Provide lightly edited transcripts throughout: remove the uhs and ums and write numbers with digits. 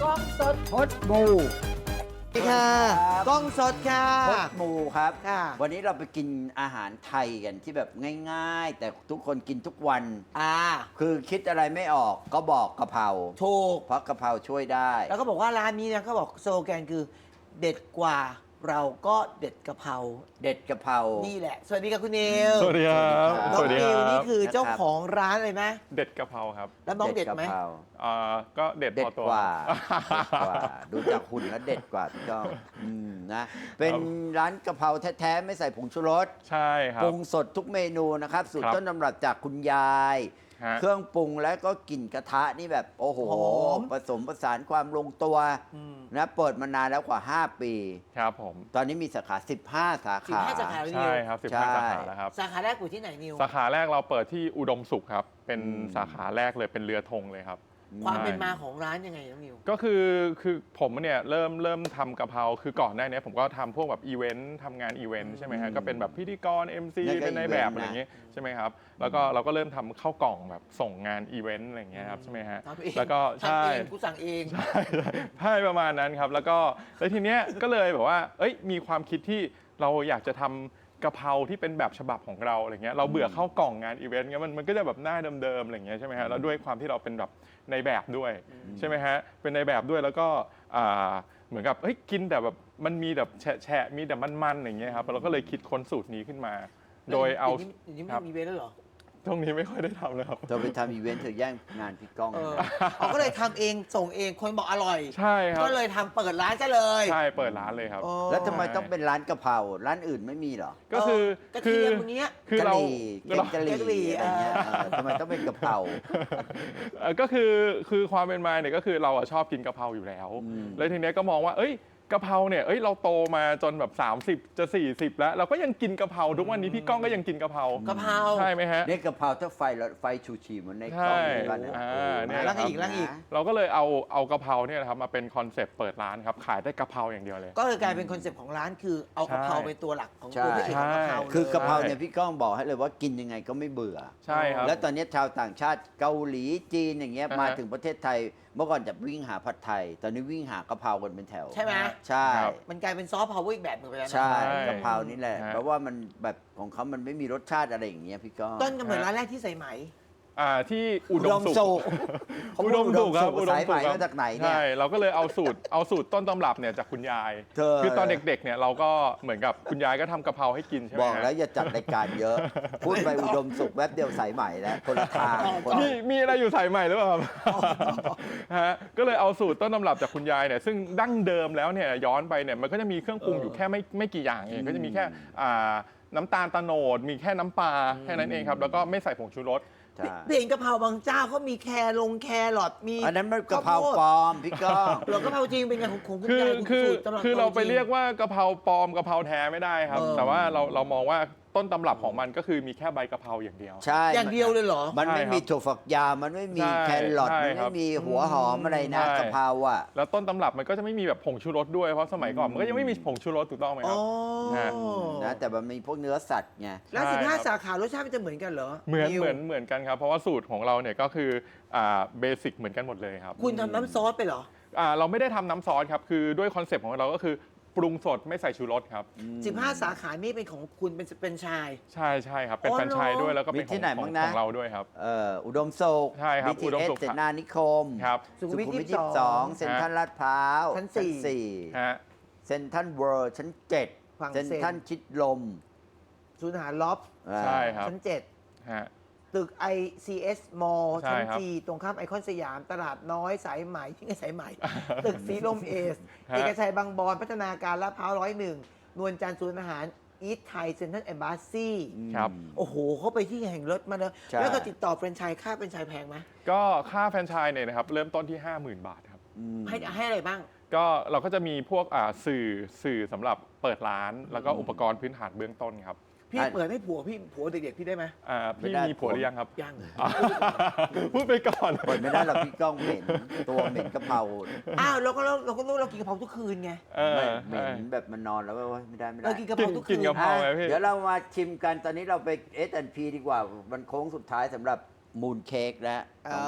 กล้องสดพดมูสวัสดีค่ะกล้องสดค่ะพดมูครับค่ะวันนี้เราไปกินอาหารไทยกันที่แบบง่ายๆ แต่ทุกคนกินทุกวัน คือคิดอะไรไม่ออกก็บอกกะเพราถูกเพราะกะเพราช่วยได้แล้วก็บอกว่าร้านนี้นะเขาบอกสโลแกนคือเด็ดกว่าเราก็เด็ดกะเพราเด็ดกะเพรานี่แหละ สวัสดีค่ะคุณนิวสวัสดีครับน้สองวัสดีนิคว รับนี่คือเจ้าของร้านเลยไหมเด็ดกะเพราครับแล้วน้องเด็ดไหมกะเพราก็เด็ดเด็พดอตัวกว่าเด็ดกว่า ดูจากหุ่นแล้วเด็ดกว่าพี่ก้องนะ เป็นร้านกะเพราแท้ๆไม่ใส่ผงชูรสใช่ครับปรุงสดทุกเมนูนะครับ สูตรครับต้นตำรับจากคุณยายฮะเครื่องปรุงแล้วก็กลิ่นกระทะนี่แบบโอ้โหหอมผสมผสานความลงตัวนะเปิดมานานแล้วกว่า 5 ปีครับผมตอนนี้มีสาขา 15 สาขา 15 สาขานิวใช่ครับใช่ 15 สาขาแล้วครับสาขาแรกอยู่ที่ไหนนิวสาขาแรกเราเปิดที่อุดมสุขครับ เป็นอืมสาขาแรกเลยเป็นเรือธงเลยครับความใช่เป็นมาของร้านยังไงน้องนิวก็คือผมเนี่ยเริ่มทำกะเพราคือก่อนหน้านี้ผมก็ทำพวกแบบอีเวนต์ทำงานอีเวนต์ใช่ไหมฮะก็เป็นแบบพิธีกร MC นั่นก็เป็นในายอีเวนต์แบบนะอะไรอย่างงี้ใช่ไหมครับแล้วก็เราก็เริ่มทำเข้ากล่องแบบส่งงานอีเวนต์อะไรอย่างเงี้ยครับใช่ไหมฮะทำเองแล้วก็ทำใช่เองกูสั่งเองใช่ประมาณนั้นครับแล้วทีเนี้ยก็เลยแบบว่าเอ้ยมีความคิดที่เราอยากจะทำกะเพราที่เป็นแบบฉบับของเราอะไรเงี้ยเราเบื่อเข้ากล่องงานอีเวนต์เงี้ยมันก็จะแบบหน้าเดิมๆอะไรเงี้ยใช่ไหมฮะแล้วด้วยความที่เราเป็นแบบในแบบด้วยใช่ไหมฮะเป็นในแบบด้วยแล้วก็เหมือนกับเฮ้ยกินแต่แบบมันมีแบบแฉะมีแต่มันๆอย่างเงี้ยครับเราก็เลยคิดค้นสูตรนี้ขึ้นมา โดยเอาอย่างนี้ครัไม่บมีเวรแล้วเหรอตรงนี้ไม่ค่อยได้ทำเลยครับเธอไปทำอีเวนต์เธอแย่งงานพี่ก้องเขาก็เลยทำเองส่งเองคนบอกอร่อยใช่ครับก็เลยทำเปิดร้านซะเลยใช่เปิดร้านเลยครับอ๋อแล้วทำไมต้องเป็นร้านกะเพราร้านอื่นไม่มีเหรอก็คือกระเทียมพวกเนี้ยคือกะเราหรี่แกงกะหแกงกะหรี่รี่อะไรเงี้ยทำไมต้องเป็นกะเพราก็คือความเป็นมาเนี่ยก็คือเราอะชอบกินกะเพราอยู่แล้ว แล้วทีเนี้ยก็มองว่าเอ้ยกะเพราเนี่ยเอ้ยเราโตมาจนแบบ30จะ40แล้วเราก็ยังกินกะเพราทุกวันนี้พี่ก้องก็ยังกินกะเพรากะเพราใช่ไหมฮะเนี่ยกะเพราถ้าไฟชูชีเหมันในกล้องใช่ในบ้านเนี่ยเนี่ยแล้วอีกแล้วอีกเราก็เลยเอากะเพราเนี่ยนะครับมาเป็นคอนเซปต์เปิดร้านครับขายได้กะเพราอย่างเดียวเลยก็เลยกลายเป็นคอนเซปต์ของร้านคือเอากะเพราใช่เป็นตัวหลักของใช่ตัวพระเอกของกะเพราคือกะเพราลยเนี่ยพี่ก้องบอกให้เลยว่ากินยังไงก็ไม่เบื่อใช่ครับแล้วตอนนี้ชาวต่างชาติเกาหลีจีนอย่างเงี้ยอ่าฮะมาถึงประเทศไทย เมื่อก่อนจะวิ่งหาผัดไทย ตอนนี้วิ่งหากะเพรากันเป็นแถวใช่ไหมใช่ครับมันกลายเป็นซอฟต์พาวเวอร์อีกแบบหนึ่งไปแล้วนะใช่ใช่กะเพรานี่แหละฮะเพราะว่ามันแบบของเขามันไม่มีรสชาติอะไรอย่างเงี้ยพี่ก้องต้นกำเนิดร้านแรกที่ใส่ไหมที่อุดมสุขเขาพูอุดดมสุขครับอุดมสุขสายไหมมาจากไหนเนี่ยใช่เราก็เลยเอาสูตรต้นตำรับเนี่ยจากคุณยายเธอคือตอนเด็กๆเนี่ยเราก็เหมือนกับคุณยายก็ทำกะเพราให้กินใช่ไหมบอกฮะแล้วอย่าจัดรายการเยอะ พูดไปอุดมสุขแวบเดียวสายใหม่แล้วคนละทางคนละมีอะไรอยู่สายใหม่หรือเปล่าครับฮะก็เลยเอาสูตรต้นตำรับจากคุณยายเนี่ยซึ่งดั้งเดิมแล้วเนี่ยย้อนไปเนี่ยมันก็จะมีเครื่องปรุงอยู่แค่ไม่กี่อย่างเองก็จะมีแค่น้ำตาลตะโนดมีแค่น้ำปลาแค่นั้นเองครับแล้วก็ไม่ใส่ผงชูรสใช่เปลี่ยนกะเพราบางเจ้าเขามีแครอทมีอันนั้นมันกะเพราปลอมพี่ก้องหรอกะเพราจริงเป็นไงของคุณคือยายคุณคือสูตรตำรับคือเราไปจงเรียกว่ากะเพราปลอมกะเพราแท้ไม่ได้ครับ แต่ว่าเรามองว่าต้นตำรับของมันก็คือมีแค่ใบกะเพราอย่างเดียวใช่อย่างเดียวเลยเหรอมันไม่ใช่ครับมีถั่วฝักยาวมันไม่มีใช่แครอทใช่มันครัไม่บมีหัวหอมอะไรนะใช่กะเพราอ่ะแล้วต้นตำรับมันก็จะไม่มีแบบผงชูรสด้วยเพราะสมัยก่อนมันก็ยังไม่มีผงชูรสถูกต้องไหมคอ๋รัอบฮะนะแต่มันมีพวกเนื้อสัตว์ไงแล้วใช่ 15 สาขารสชาติมันจะเหมือนกันเหรอเหมือนนิวเหมือนกันครับเพราะว่าสูตรของเราเนี่ยก็คือเบสิกเหมือนกันหมดเลยครับคุณทำน้ำซอสไปเหรอเราไม่ได้ทำน้ำซอสครับคือด้วยคอนเซปต์ของเราก็คือปรุงสดไม่ใส่ชูรสครับ 15 สาขานี่เป็นของคุณเป็นชายใช่ครับเป็นอ๋อแฟรนไชส์ด้วยแล้วก็เป็นมีที่ไหนขบ้าอง งนะเราด้วยครับอุดมสุขใช่ครับอุดม BTS สุขเสนานิคมครับสุขุมวิท 22 เซ็นทรัลลาดพร้าวชั้นฮะ 4เซ็นทรัลเวิลด์ชั้นฝั่ง 7 เซ็นทรัลชิดลมศูนย์อาหารล็อบใช่ครับชั้นฮะ 7 ตึก ICS Mall ใช่ชั้นครับจีตรงข้ามไอคอนสยามตลาดน้อยสายไหมที่ไงสายไหม ตึกสีลมเอสฮะเอกชัยบางบอนพัฒนาการลาดพร้าว101 นวลจันทร์ศูนย์อาหารอีทไทยเซ็นทรัลแอมบาซีครับโอ้โหเขาไปที่แห่งรถมาเลยใช่แล้วก็ติดต่อแฟรนไชส์ค่าแฟรนไชส์แพงไหมก็ค่าแฟรนไชส์เนี่ยนะครับเริ่มต้นที่ 50,000 บาทครับให้อะไรบ้างก็เราก็จะมีพวกสื่อสำหรับเปิดร้าน แล้วก็อุปกรณ์พื้นฐานเบื้องต้นครับพี่เปิดให้ผัวเด็กๆพี่ได้ไหมพี่มีผัวหรือยังครับยังพูดไปก่อนเปิดไม่ได้หรอกพี่ก้องเหม็นตัวเหม็นกะเพราอ้าวเราก็รู้เรากินกะเพราทุกคืนไงไม่เหม็นแบบมันนอนแล้วว่าไม่ได้เรากินกะเพกิราน ทุกคืกินนกะเพราไงพี่เดี๋ยวเรามาชิมกันตอนนี้เราไป S&P ดีกว่ามันโค้งสุดท้ายสำหรับมูนเค้กแล้ว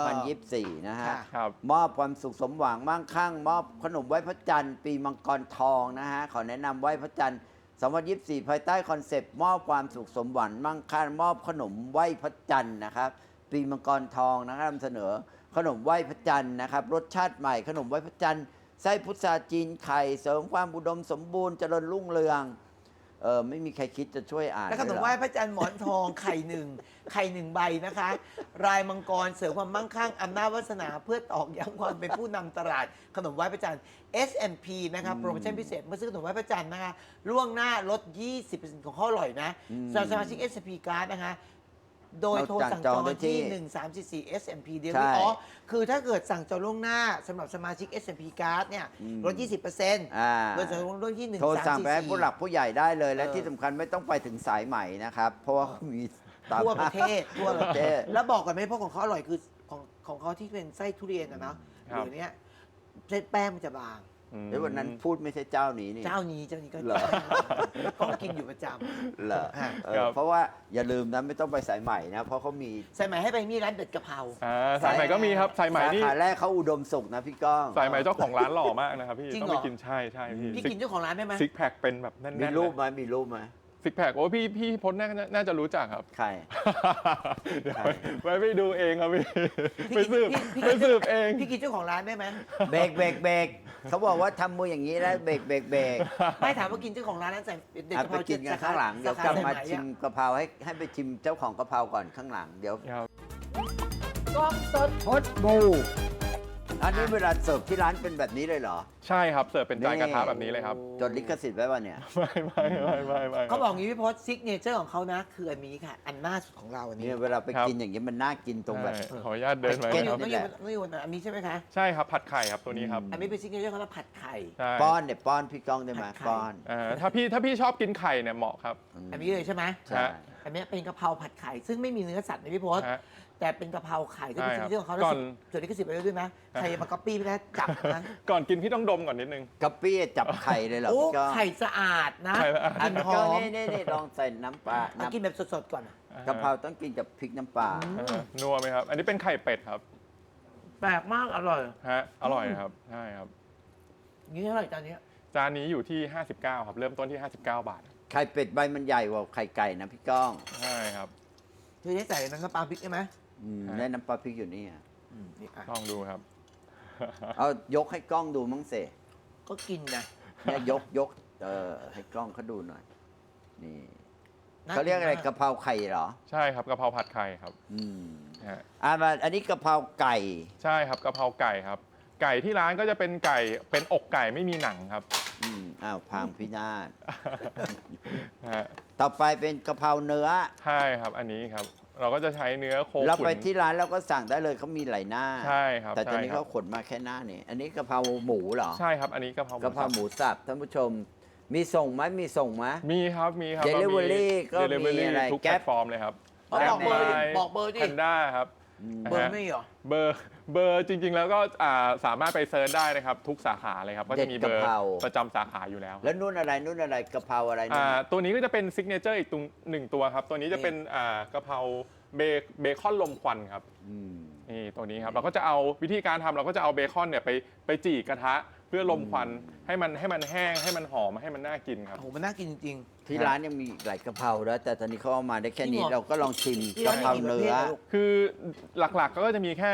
2024 นะฮะค่ะครับมอบความสุขสมหวังมั่งคั่ง มอบขนมไหว้พระจันทร์ปีมังกรทองนะฮะ ขอแนะนำไหว้พระจันทร์ 2024 ภายใต้คอนเซปต์มอบความสุขสมหวังมั่งคั่ง มอบขนมไหว้พระจันทร์นะครับ ปีมังกรทองนะครับนำเสนอขนมไหว้พระจันทร์นะครับ รสชาติใหม่ขนมไหว้พระจันทร์ไส้พุทราจีนไข่เสริมความอุดมสมบูรณ์เจริญรุ่งเรืองไม่มีใครคิดจะช่วยอ่านแล้วขนมเลยเรอไหว้พระจันทร์หมอนทองไข่หนึ่งใบนะคะ รายมังกรเสริมความมั่งคั่งอำนาจวาสนาเพื่อตอกย้ำความเป็นผู้นำตลาดขนมไหว้พระจันทร์ S&P นะคะโปรโมชั่นพิเศษเมื่อซื้อขนมไหว้พระจันทร์นะคะล่วงหน้าลด 20%ของข้ออร่อยนะสำหรับสมาชิก S&P Card นะคะ โดยโทรสั่งจองได้ที่ 1344 S&P เดียวใช่อ๋อคือถ้าเกิดสั่งจองล่วงหน้าสำหรับสมาชิก S&P Card เนี่ยลด 20%โดยสั่งจองล่วงที่โทรสั่งไปให้ผู้หลัก 1344 ผู้ใหญ่ได้เลย และที่สำคัญไม่ต้องไปถึงสายใหม่นะครับ เพราะว่ามีตามทั่วประเทศทั่วประเทศแล้วบอกกันไหมเพราะของเขาอร่อยคือของเขาที่เป็นไส้ทุเรียนอะเนาะครับเดี๋ยวนี้เส้นแป้งมันจะบางเดี๋ยววันนั้นพูดไม่ใช่เจ้านี้นี่เจ้านี้ก็เหรอก็กินอยู่ประจเหรอฮะครับเพราะว่าอย่าลืมนะไม่ต้องไปสายใหม่นะ เพราะเขามีำใส่ไหมให้ไปมีร้านเด็ดกะเพราสายใหม่ก็มีครับสายใหม่สานี่ขาแรกเขาอุดมสุขนะพี่ก้องสายใหม่เจ้าของร้านหล่อมากนะครับพี่จริงต้องเหรไปอกินใช่พี่พี่กินเจ้าของร้านได้ไหมซิกแพคเป็นแบบแน่นๆมีรูปเลยไหมมีรูปไหมซิกแพคโอ้พี่พจน์น่าจะรู้จักครับใครเดี๋ยวไว้ไปดูเองครับพี่พี่ไปสืบพี่ไปสืบเองพี่กินเจ้าของร้านได้ไหมเบรกเบรกเบรกเขาบอกว่าทำมืออย่างนี้แล้วเบรกเบรกเบรกไม่ถามว่ากินเจ้าของร้านนั้นใส่เด็ดอ่ะกะเพไปรากินกันข้างหลังเดี๋ยวกลับมาสขชิมกะเพราให้ไปชิมเจ้าของกะเพราก่อนข้างหลังเดี๋ยวครับกล้องสดพดบูอันนี้เวลาเสิร์ฟที่ร้านเป็นแบบนี้เลยเหรอใช่ครับเสิร์ฟเป็นจานกระทะแบบนี้เลยครับจดลิขสิทธิ์ไว้ป่ะเนี่ยไม่เขาบอกงี้พี่พศซิกเนเจอร์ของเขานะคืออันนี้ค่ะ อันหน้าสุดของเราอันนี้เนี่ยเวลาไปกินอย่างนี้ยมันน่ากินตรงแบบใช่ขออนุญาตเดินไปเก็ตครับต้องอยู่อันนี้ใช่ไหมคะใช่ครับผัดไข่ครับตัวนี้ครับอันนี้เป็นซิกเนเจอร์เขาเรียกผัดไข่ใช่ป้อนเนี่ยป้อนพี่ก้องได้ไหมผัดไข่ป้อนถ้าพี่ชอบกินไข่เนี่ยเหมาะครับอันนี้เลยใช่ไหมใช่อันนี้เป็นกะเพราผัดไข่ซึ่งไม่มีเนื้อสัตว์นะพี่พศฮะแต่เป็นกะเพราไข่ก็เป็นใช่ซิกครับเนเจอร์ของเขาก่อนส่วนนี้ก็สิบไปด้วยนะใครมาก๊อปปี้พี่นะจับนะก่อนกินพี่ต้องดมก่อนนิดนึงกะปี้จับไข่เลยเหรอโอ้พี่ก้องไข่สะอาดนะไข่สะอาดกลินหก็อมนี่ลองใส่น้ำปลาเอากินแบบสดๆก่อนกะเพราต้องกินกับพริกน้ำปลานัวไหมครับ อันนี้เป็นไข่เป็ดครับแปลกมากอร่อยฮะอร่อยครับใช่ครับนี่เท่าไหร่จานนี้จานนี้อยู่ที่ 59 ครับ เริ่มต้นที่ 59 บาทไข่เป็ดใบมันใหญ่กว่าไข่ไก่นะพี่ก้องใช่ครับเธอได้ใส่น้ำปลาพริกใช่ไหมได้น้ำปลาพริกอยู่นี่อะนี่อ่ะลองดูครับเอายกให้กล้องดูมั้งเสก็กินนะเนี่ยยกให้กล้องเขาดูหน่อยนี่น่เขาเรียกอะไรนมกะเพราไข่เหรอใช่ครับกะเพราผัดไข่ครับอืมฮะมาอันนี้กะเพราไก่ใช่ครับกะเพราไก่ครับ ไก่ที่ร้านก็จะเป็นไก่เป็นอกไก่ไม่มีหนังครับอ้าวพังพินาศฮะต่อไปเป็นกะเพราเนื้อใช่ครับอันนี้ครับ เราก็จะใช้เนื้อโคเราขุไปนที่ร้านเราก็สั่งได้เลยเขามีหลายหน้าใช่ครับแต่ตอนใช่นี้ครัเขาบขนมาแค่หน้านี่อันนี้กะเพราหมูเหรอใช่ครับอันนี้กะเพรากะเพราหมูสับท่านผู้ชม มีส่งไหมมีส่งไหมมีครับมีครับ Delivery ก็มี Delivery อะไรทุกแก๊แพลปตฟอร์มเลยครับเอาบอกเบอร์ดิบอกเบอร์ดิแพนด้าครับเบอร์ไม่เหรอเบอร์จริง ๆ แล้วก็สามารถไปเซิร์ชได้นะครับ ทุกสาขาเลยครับ ก็จะมีเบอร์ประจำสาขาอยู่แล้วแล้วนู่นอะไรกะเพราอะไรนู่นตัวนี้ก็จะเป็นซิกเนเจอร์อีกหนึ่งตัวครับ ตัวนี้จะเป็นกะเพราเบคอนลมควันครับอืมนี่ตัวนี้ครับเราก็จะเอาวิธีการทำเราก็จะเอาเบคอนเนี่ยไปจี่กระทะเพื่อลมควันให้มันแห้งให้มันหอมให้มันน่ากินครับโอ้โหมันน่ากินจริงที่ร้านยังมีอีกหลายกะเพราแล้วแต่ตอนนี้เขาเอามาได้แค่นี้จริงเหรอเราก็ลองชิมที่กะร้านเพรามีกี่ประเนื้เภทออะลูกคือหลักๆก็จะมีแค่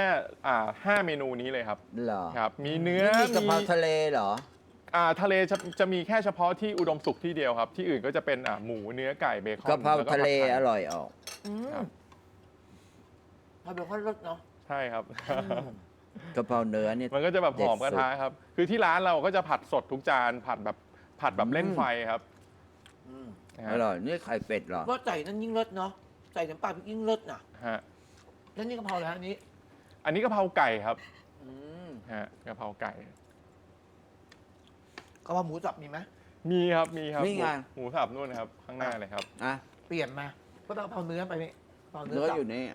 5 เมนูนี้เลยครับเหรอครับ มีเนื้อไม่มีกะเพราทะเลเหรอทะเลจะมีแค่เฉพาะที่อุดมสุขที่เดียวครับ ที่อื่นก็จะเป็นหมูเนื้อไก่เบคอนกะเพราแวทะเลผัดไข่อร่อยออกครับทำเป็นข้าวรสเนาะใช่ครับกะเพราเนื้อเนี่ยมันก็จะแบบหอมกระทะเด็ดสุดครับ คือที่ร้านเราก็จะผัดสดทุกจานผัดแบบเล่นไฟครับนะอฮะร่อยนี่ไข่เป็ดเหรอว่าใส่นั่นยิ่งรสเนาะใส่น้ำปลาพริกยิ่งรสน่ะฮะแล้วนี่กะเพราแล้วอันนี้อันนี้กะเพราไก่ครับอืมฮะกะเพราไก่กะเพราหมูสับมีไหมมีครับนี่ไงหมูสับนู่นนะครับ ข้างหน้าเลยครับอ่ะเปลี่ยนมาก็ต้องกะเพราเนื้อไปนี่กะเพราเนื้เนื้ออสับอยู่นี่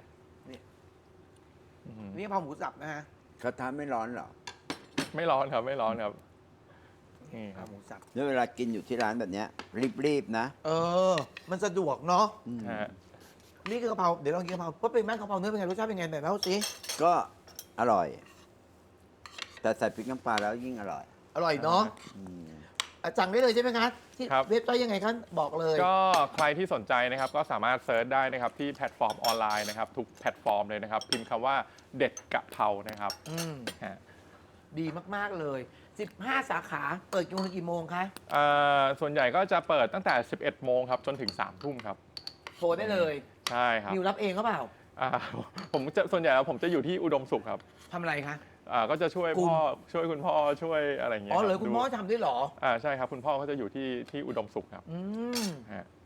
นี่กะเพราหมูสับนะฮะกระทะไม่ร้อนเหรอไม่ร้อนครับไม่ร้อนครับนี่กะเพครัราบหมูสับแล้วเวลากินอยู่ที่ร้านแบบเนี้ยรีบๆนะมันสะดวกเนาะฮะนี่คือกะเพราเดี๋ยวลองกินกะเพราว่าเป็นแม่กะเพราเนื้อเป็นไงรสชาติเป็นไงไหนเล่าสิก็อร่อย แต่ใส่พริกน้ำปลาแล้วยิ่งอร่อยอร่อยเนาะอืมสั่งได้เลยใช่ไหมคะที่ครับเว็บไซต์ยังไงคะบอกเลยก็ใครที่สนใจนะครับก็สามารถเซิร์ชได้นะครับที่แพลตฟอร์มออนไลน์นะครับทุกแพลตฟอร์มเลยนะครับ พิมพ์คำว่าเด็ดกะเพรานะครับอืมฮะดีมากๆเลย 15 สาขาเปิดกี่โมงคะส่วนใหญ่ก็จะเปิดตั้งแต่ 11 โมงครับจนถึง 3 ทุ่มครับโทรได้เลยใช่ครับนิวรับเองก็เปล่าอ่าผมจะส่วนใหญ่แล้วผมจะอยู่ที่อุดมสุขครับทำอะไรคะก็จะช่วยกลุ่มพ่อช่วยคุณพ่อช่วยอะไรอย่างเงี้อ๋ยอเหรอรับคุณพ่อดูทำด้วยเหรอใช่ครับคุณพ่อเขาจะอยู่ที่อุดมสุขครับอืมฮะ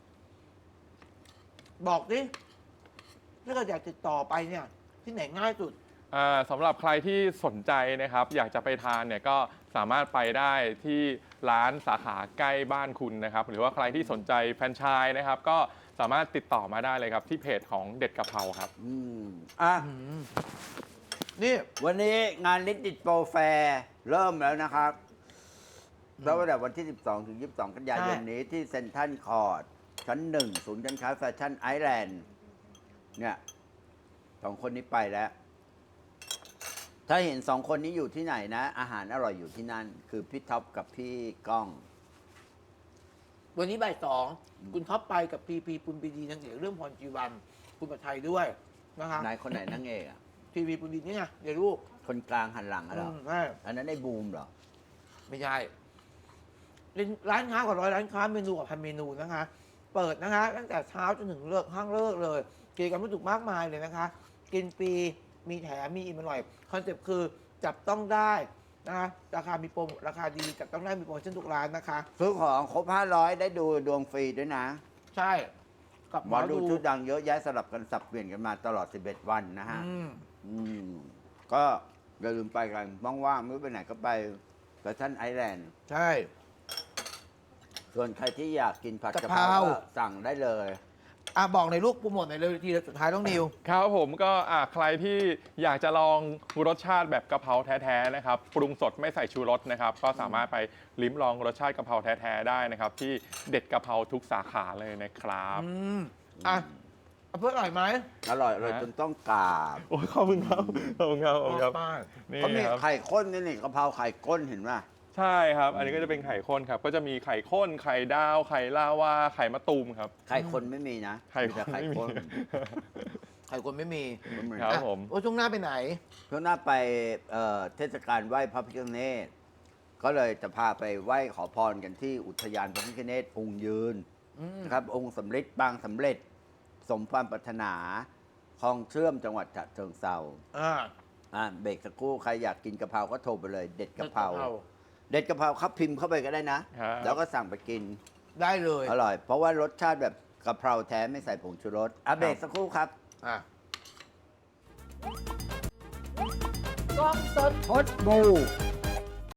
บอกดิถ้าเกิดอยากติดต่อไปเนี่ย ที่ไหนง่ายสุดสำหรับใครที่สนใจนะครับ อยากจะไปทานเนี่ยก็สามารถไปได้ที่ร้านสาขาใกล้บ้านคุณนะครับ หรือว่าใครที่สนใจแฟรนไชส์นะครับ ก็สามารถติดต่อมาได้เลยครับ ที่เพจของเด็ดกะเพราครับอืมอ่ะนี่วันนี้งานลิติดโปรแฟร์เริ่มแล้วนะครับแล้วตั้งแต่วันที่ 12 ถึง 22 กันยายนนี้ที่เซ็นทรัลคอร์ดชั้น 1 ศูนย์การค้าแฟชั่นไอแลนด์เนี่ยสองคนนี้ไปแล้ว ถ้าเห็นสองคนนี้อยู่ที่ไหนนะ อาหารอร่อยอยู่ที่นั่น คือพี่ท็อปกับพี่ก้องวันนี้บ่าย 2คุณท็อปไปกับพีปุณปีดีนางเอกเรื่องพรจีวัน คุณปัทไทยด้วยนะคะนายคนไหนนั่งเอกอ่ะพีปุณปีนี่ไงเดี๋ยวลูกคนกลางหันหลังอะเหรอใช่อันนั้นไอ้บูมเหรอไม่ใช่เป็นร้านค้ากว่า100 ร้านค้าเมนูกว่า1,000 เมนูนะคะ เปิดนะคะ ตั้งแต่เช้าจนถึงห้างเลิกเลยกิจกรรมรู้สึกมากมายเลยนะคะ กินฟรีมีแถมมีอิ่มอร่อยคอนเซ็ปต์คือจับต้องได้นะคะราคามีโปรราคาดีจับต้องได้มีโปรโมชั่นทุกร้านนะคะซื้อของครบ 500 ได้ดูดวงฟรีด้วยนะใช่กับหมอดูชื่อดังเยอะแยะสลับกันสับเปลี่ยนกันมาตลอด 11 วันนะฮะอืมอืมก็อย่าลืมไปกันว่างๆไม่รู้ไปไหนก็ไปแฟชั่นไอแลนด์ใช่ส่วนใครที่อยากกินผัดกะกะเพเพราราก็สั่งได้เลยบอกในอยลูกโปรโมทในอยเลยทีสุดท้ายต้องนิวครับผมก็ใครที่อยากจะลองรสชาติแบบกะเพราแท้ๆนะครับปรุงสดไม่ใส่ชูรสนะครับก็สามารถไปลิ้มลองรสชาติกะเพราแท้ๆได้นะครับที่เด็ดกะเพราทุกสาขาเลยนะครับอืมเอาเพื่ออร่อยไหมอร่อยเลยจนต้องกราบโอ้ยขอบคุณครับขอบคุณครับขอบคุณครับมากนี่เขามีครับไข่ข้นนี่กะเพราไข่ข้นเห็นไหมใช่ครับ อันนี้ก็จะเป็นไข่ข้นครับ ก็จะมีไข่ข้น ไข่ดาว ไข่ลาวา ไข่มะตูมครับไข่คนไม่มีนะไข่มีแต่ไข่ไม่มีข้นไข่คนไม่มีไม่มีครับอ่ะผมโอ้ช่วงหน้าไปไหนเพื่อหน้าไปเทศกาลไหว้พระพิฆเนศก็เลยจะพาไปไหว้ขอพรกันที่อุทยานพระพิฆเนศองค์ยืน นะครับองค์สำเร็จบางสำเร็จ สมความปรารถนาคลองเชื่อมจังหวัดฉะเชิงเทรา เบรกสักครู่ใครอยากกินกะเพราก็โทรไปเลย เด็ดกะเพราเด็ดกะเพราครับพิมพ์เข้าไปก็ได้นะครับแล้วก็สั่งไปกินได้เลยอร่อย เพราะว่ารสชาติแบบกะเพราแท้ไม่ใส่ผงชูรสเบรกสักครู่ครับอ่ะพดบู